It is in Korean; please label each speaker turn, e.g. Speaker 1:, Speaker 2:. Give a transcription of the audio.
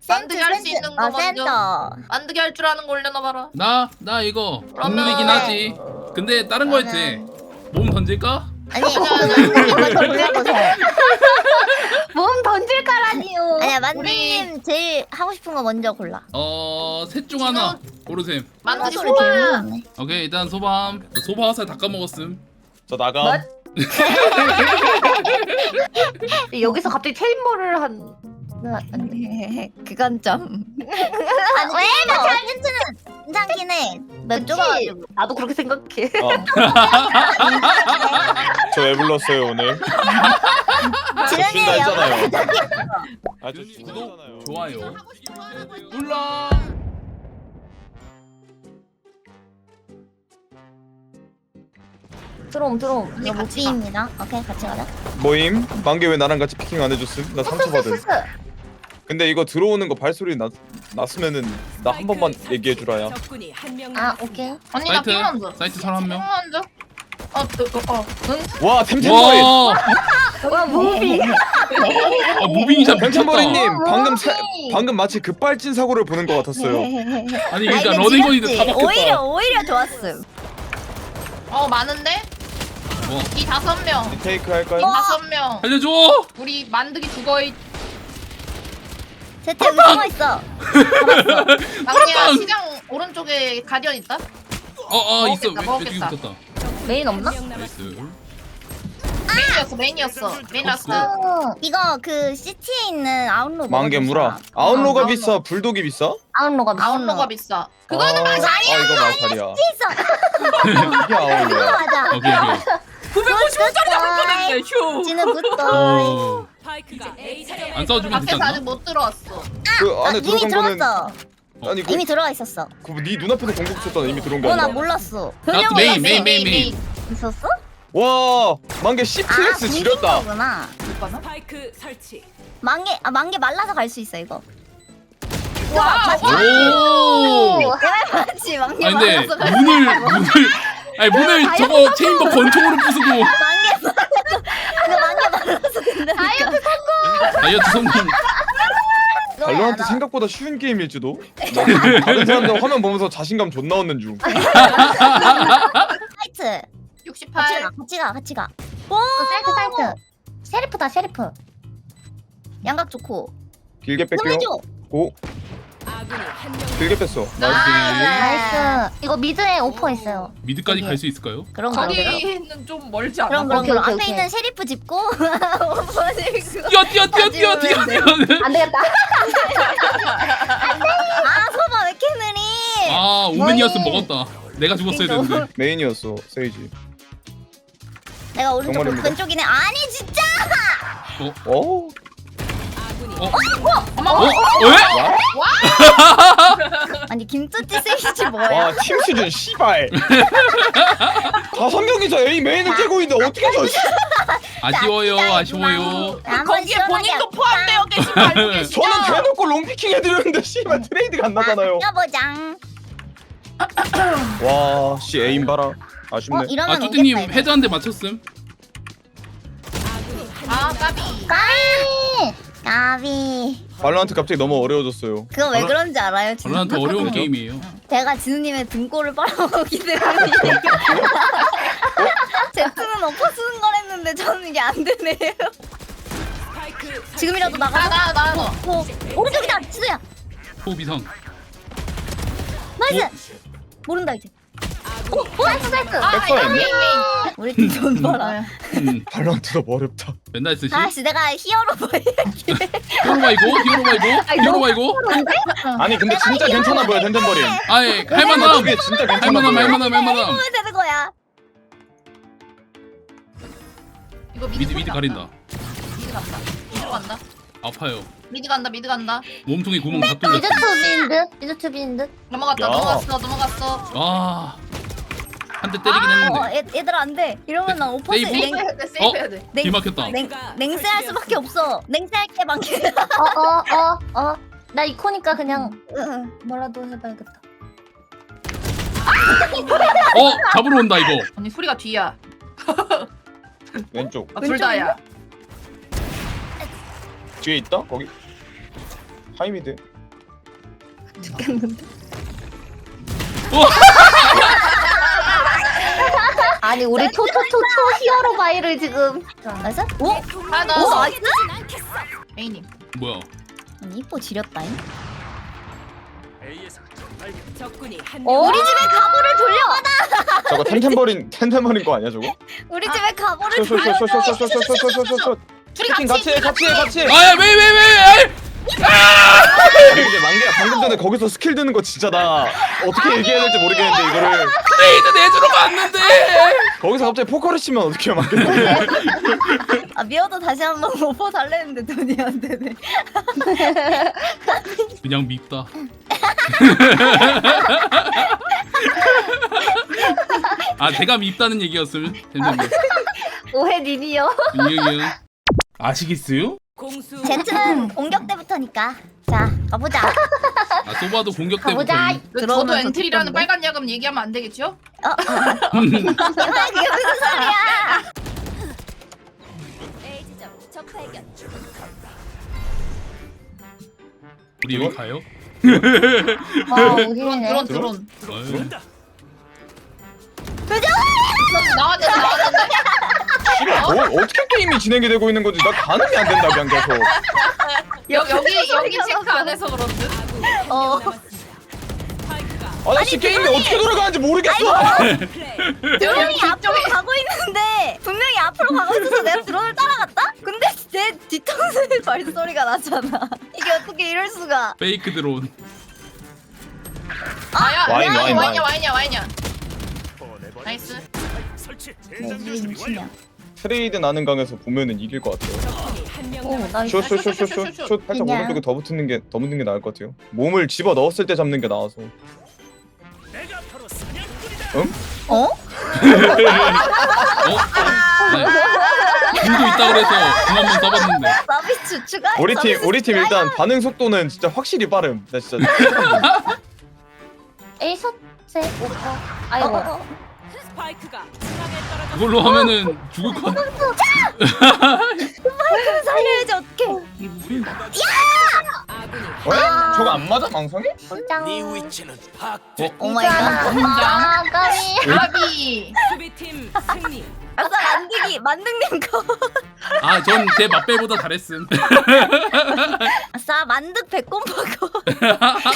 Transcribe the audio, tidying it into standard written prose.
Speaker 1: 만들기 할 수 있는 거 먼저.
Speaker 2: 센터.
Speaker 1: 만들기 할 줄 아는 거 올려놔봐라.
Speaker 3: 나 이거
Speaker 1: 그러면-
Speaker 3: 동물이긴 하지. 근데 다른 거 했지. 몸 던질까?
Speaker 2: 아니 만들님 돌려보세요.
Speaker 4: 몸 던질 까라니요.
Speaker 2: 아니야 만들님 제일 하고 싶은 거 먼저 골라.
Speaker 3: 셋 중 하나 고르셈.
Speaker 1: 만들기
Speaker 2: 소리
Speaker 1: 소바.
Speaker 2: 개무섭네.
Speaker 3: 오케이 일단 소밤. 소바 화살 다 까먹었음.
Speaker 5: 저 나감.
Speaker 4: 뭐? 여기서 갑자기 체인볼을 한.
Speaker 2: 그건 좀. 아니 왜나 챌린지는 괜찮긴 해. 맵
Speaker 4: 그치?
Speaker 2: 좁아가지고.
Speaker 4: 나도 그렇게 생각해.
Speaker 5: 저 왜 불렀어요 오늘?
Speaker 2: 지른이
Speaker 5: 진다 했잖아요.
Speaker 2: 영상
Speaker 5: 아저
Speaker 3: 구독,
Speaker 5: 구독잖아요.
Speaker 3: 좋아요 눌러.
Speaker 4: 드롬.
Speaker 2: 이거 무비입니다. 오케이 같이 가자.
Speaker 5: 모임? 만개 왜 나랑 같이 피킹 안 해줬음? 나 상처받은. 근데 이거 들어오는 거 발소리 났으면은 나 한 번만 얘기해 주라야.
Speaker 2: 아 오케이.
Speaker 1: 언니 나
Speaker 3: 사이트
Speaker 1: 핑만져.
Speaker 3: 사이트 선 한 명.
Speaker 1: 핑만져. 응?
Speaker 5: 와 템템버린.
Speaker 4: 와 무비.
Speaker 3: 무빙샷 미쳤다.
Speaker 5: 템템버린님 방금 마치 급발진 사고를 보는 것 같았어요.
Speaker 3: 아니 그러니까 러닝건이도 다 박혔다.
Speaker 2: 오히려 좋았음.
Speaker 1: 많은데?
Speaker 3: 뭐
Speaker 1: 이 5명.
Speaker 5: 리테이크
Speaker 1: 이
Speaker 5: 할까요?
Speaker 1: 5명.
Speaker 3: 살려줘.
Speaker 1: 우리 만들기 죽어있.
Speaker 2: 제트 여기 숨어 있어.
Speaker 1: 막내야 시장 오른쪽에 가디언 있다?
Speaker 3: 있어.
Speaker 1: 먹었겠다,
Speaker 3: 왼쪽에
Speaker 1: 먹었겠다.
Speaker 3: 붙었다.
Speaker 4: 메인 없나?
Speaker 3: 나이스.
Speaker 1: 메인이었어. 메인 라스트.
Speaker 2: 이거 그 시티에 있는 아웃로.
Speaker 5: 만개 물어. 아웃로가 비싸, 불독이 비싸?
Speaker 4: 아웃로가 비싸.
Speaker 1: 아웃로가 비싸. 그거는
Speaker 5: 마살이야. 이거 마살이야.
Speaker 2: 있어.
Speaker 5: 이게 아웃로야.
Speaker 2: 맞아.
Speaker 3: 오케이.
Speaker 1: 950원짜리 잡을 뻔했네. 휴.
Speaker 2: 지는 굿도.
Speaker 3: 오. 안 싸워주면 되지
Speaker 1: 밖에서
Speaker 3: 않나?
Speaker 1: 아직 못 들어왔어.
Speaker 5: 그 안에
Speaker 2: 이미
Speaker 5: 들어간 거는
Speaker 2: 들어왔어.
Speaker 5: 아니
Speaker 2: 이미 들어와 있었어.
Speaker 5: 그네 눈앞에서 공격 쳤잖아. 이미 들어온 거
Speaker 2: 나
Speaker 5: 아니야?
Speaker 2: 몰랐어.
Speaker 3: 나도 메인.
Speaker 2: 있었어?
Speaker 5: 와 만개 10플렉스 지렸다.
Speaker 2: 구나.
Speaker 6: 스파이크 설치.
Speaker 2: 만개 말라서 갈 수 있어 이거.
Speaker 3: 오.
Speaker 2: 맞지 만개
Speaker 3: 아니 근데
Speaker 2: 말라서 갈 수.
Speaker 3: 문을 저거 체인버 권총으로 부수고
Speaker 2: 만개 말라서 된다니까.
Speaker 3: 다이어트 성공.
Speaker 5: 발로란트 생각보다 쉬운 게임일지도. 나 다른 사람들 화면 보면서 자신감 존나 얻는 중.
Speaker 2: 사이트.
Speaker 1: 68.
Speaker 2: 같이 가. 오
Speaker 4: 사이트. 셰리프다 셰리프.
Speaker 2: 양각 좋고.
Speaker 5: 길게 뺄게요.
Speaker 2: 보내줘.
Speaker 5: 고
Speaker 6: 아군이 한명
Speaker 5: 길게 뺐어.
Speaker 3: 나이스.
Speaker 4: 나이스. 이거 미드에 오퍼 있어요.
Speaker 3: 미드까지 갈 수 있을까요?
Speaker 2: 그런 거.
Speaker 1: 거기는 좀 멀지 않아?
Speaker 2: 그럼
Speaker 4: 오케이,
Speaker 2: 앞에
Speaker 4: 오케이.
Speaker 2: 있는 셰리프 짚고 오퍼 짚고.
Speaker 3: 뛰어.
Speaker 4: 안 되겠다.
Speaker 2: 아 소바 왜 이렇게 느리?
Speaker 3: 아 오맨이었으면 먹었다. 내가 죽었어야 되는데.
Speaker 5: 메인이었어 세이지.
Speaker 2: 내가 오른쪽
Speaker 5: 정말입니다.
Speaker 2: 왼쪽이네. 아니 진짜.
Speaker 5: 어?
Speaker 6: 아군이
Speaker 3: 왜?
Speaker 2: 아니 김뚜띠 세이지 뭐야?
Speaker 5: 와 팀 수준 씨발. 5명이서 A 메인을 째고 있는데 어떻게 저?
Speaker 3: 아쉬워요.
Speaker 1: 거기에 본인도 포함되어 계신 거 알고 계시죠?
Speaker 5: 저는 대놓고 롱피킹 해드렸는데 씨발 트레이드가 안 나잖아요.
Speaker 2: 여보장.
Speaker 5: 와, 씨 에임 봐라. 아쉽네.
Speaker 2: 이러면
Speaker 3: 뚜띠님
Speaker 2: 오겠다,
Speaker 3: 헤드 한 대 맞췄음.
Speaker 1: 까비.
Speaker 2: 까비.
Speaker 5: 발로란트 갑자기 너무 어려워졌어요.
Speaker 2: 그거 왜 그런지 알아요? 진짜?
Speaker 3: 발로란트 어려운 게임이에요.
Speaker 2: 제가 진우님의 등골을 빨아먹기 때문에. 제트는 엎어 쓰는 걸 했는데 저는 이게 안 되네요.
Speaker 6: 스파이크 설치.
Speaker 2: 지금이라도 나가서.
Speaker 1: 나.
Speaker 2: 오른쪽이다, 진우야.
Speaker 3: 호비상.
Speaker 2: 나이스. 모른다 이제.
Speaker 6: 아군이
Speaker 4: 사이트.
Speaker 5: 백퍼 있네.
Speaker 2: 우리 팀돈 벌어.
Speaker 5: 발로란트 너무 어렵다.
Speaker 3: 맨날 쓰시.
Speaker 2: 아씨 내가 히어로 보여줄게.
Speaker 3: 히어로바 이거.
Speaker 5: 아니 근데 진짜 괜찮아 보여 텐텐버린.
Speaker 3: 아이 할만함.
Speaker 5: 이게 진짜 괜찮아 보여.
Speaker 3: 할만함.
Speaker 2: 보면 되는 거야.
Speaker 1: 이거
Speaker 3: 미드 가린다.
Speaker 1: 미드 간다. 미드 간다.
Speaker 3: 아파요.
Speaker 1: 미드 간다.
Speaker 3: 몸통에 구멍 다 뚫렸어.
Speaker 4: 미드 투빈 듯. 미드 투빈 듯.
Speaker 1: 넘어갔다.
Speaker 5: 야.
Speaker 1: 넘어갔어.
Speaker 3: 아. 한 대 때리긴 했는데.
Speaker 2: 얘들아 안 돼. 이러면 난 오퍼스
Speaker 3: 세이브?
Speaker 1: 세이브해야 돼.
Speaker 3: 길 막혔다.
Speaker 2: 냉세할 수밖에 없어. 냉세할게 만개.
Speaker 4: 나 이코니까 그냥 뭐라도 해봐야겠다.
Speaker 3: 잡으러 온다 이거.
Speaker 1: 언니 소리가 뒤야.
Speaker 5: 왼쪽
Speaker 1: 둘 다야.
Speaker 5: 뒤에 있다 거기. 하이미드.
Speaker 4: 죽겠는데.
Speaker 3: 어?
Speaker 4: 아니 우리 초 히어로 바이를 지금.
Speaker 2: 나이스? 오?
Speaker 1: 하나
Speaker 2: 오
Speaker 1: 더.
Speaker 2: 나이스?
Speaker 1: A님.
Speaker 3: 뭐야?
Speaker 2: 이뻐 지렸다잉.
Speaker 6: 적군이 한
Speaker 4: 어?
Speaker 6: 명.
Speaker 2: 우리 집에 가보를 돌려받아.
Speaker 5: 저거 템템버린 거 아니야 저거?
Speaker 2: 우리 집에 가보를
Speaker 5: 쇼쇼쇼쇼쇼쇼쇼쇼쇼쇼쇼.
Speaker 1: 둘이
Speaker 5: 피킹 같이 해 같이 해 같이 해.
Speaker 3: 아야 왜?
Speaker 5: 근데 만개야 방금 전에 거기서 스킬 드는 거 진짜 나 어떻게 얘기해야 될지 모르겠는데 이거를
Speaker 3: 트레이드 내주러 갔는데.
Speaker 5: 거기서 갑자기 포커를 치면 어떻게 만개?
Speaker 2: 아 미워도 다시 한번 오퍼 달래는데 돈이 안 되네.
Speaker 3: 그냥 밉다. 아 제가 밉다는 얘기였으면 됐는데.
Speaker 4: 오해 님이요.
Speaker 3: 이게 아시겠어요?
Speaker 6: 공수
Speaker 2: 제트는 공격 때부터니까. 자 가보자.
Speaker 3: 아 소바도 공격 때부터.
Speaker 4: 가보자.
Speaker 1: 저도
Speaker 2: 들어오면서
Speaker 1: 엔트리라는
Speaker 2: 듣던데?
Speaker 1: 빨간 야금 얘기하면 안 되겠죠?
Speaker 2: 이게 무슨 소리야?
Speaker 3: 우리 여기 가요?
Speaker 4: 와
Speaker 1: 드론
Speaker 4: 우리네.
Speaker 1: 드론.
Speaker 3: 어이.
Speaker 1: 나왔는데.
Speaker 5: 뭐 어떻게 게임이 진행이 되고 있는 건지 나 가늠이 안 된다 그냥 계속.
Speaker 1: 여기 체크 안 해서 그런데.
Speaker 2: 어.
Speaker 5: 아저씨 게임이 어떻게 돌아가는지 모르겠어.
Speaker 2: 분명히 앞으로 가고 있는데 분명히 앞으로 가고 있어서 내가 드론을 따라갔다? 근데 내 뒤통수에 발소리가 나잖아. 이게 어떻게 이럴 수가?
Speaker 3: 페이크 드론.
Speaker 1: 아야.
Speaker 5: 와인.
Speaker 1: 와인이야. 나이스.
Speaker 2: 미친년.
Speaker 5: 트레이드 나는 강에서 보면은 이길 것 같아요.
Speaker 6: 적군이 한명
Speaker 4: 오
Speaker 6: 남았습니다.
Speaker 4: 나이스.
Speaker 5: 슛 살짝
Speaker 2: 그냥.
Speaker 5: 오른쪽에 더 붙는 게 나을 것 같아요. 몸을 집어 넣었을 때 잡는 게 나아서. 응?
Speaker 2: 어?
Speaker 3: 어? 네. 궁도 있다 그래서 궁 한번 써봤는데.
Speaker 2: 서비스 추가?
Speaker 5: 우리 팀 일단 반응 속도는 진짜 확실히 빠름. 나 진짜
Speaker 4: A 샷세 오퍼. 아이고.
Speaker 6: 스파이크가 중앙에 떨어졌습니다.
Speaker 3: 그걸로 하면은 죽을 것 같아.
Speaker 2: 살려야지 어떡해.
Speaker 6: 아군이
Speaker 5: 어? 저거 안 맞아 망상이?
Speaker 4: 짱.
Speaker 2: 오 마이 갓.
Speaker 4: 아 까비.
Speaker 1: 아비.
Speaker 6: 수비팀 승리.
Speaker 2: 아싸 만등님 거.
Speaker 3: 아 전 제 맛배보다 잘했음.
Speaker 2: 아싸 만득 백곰파고.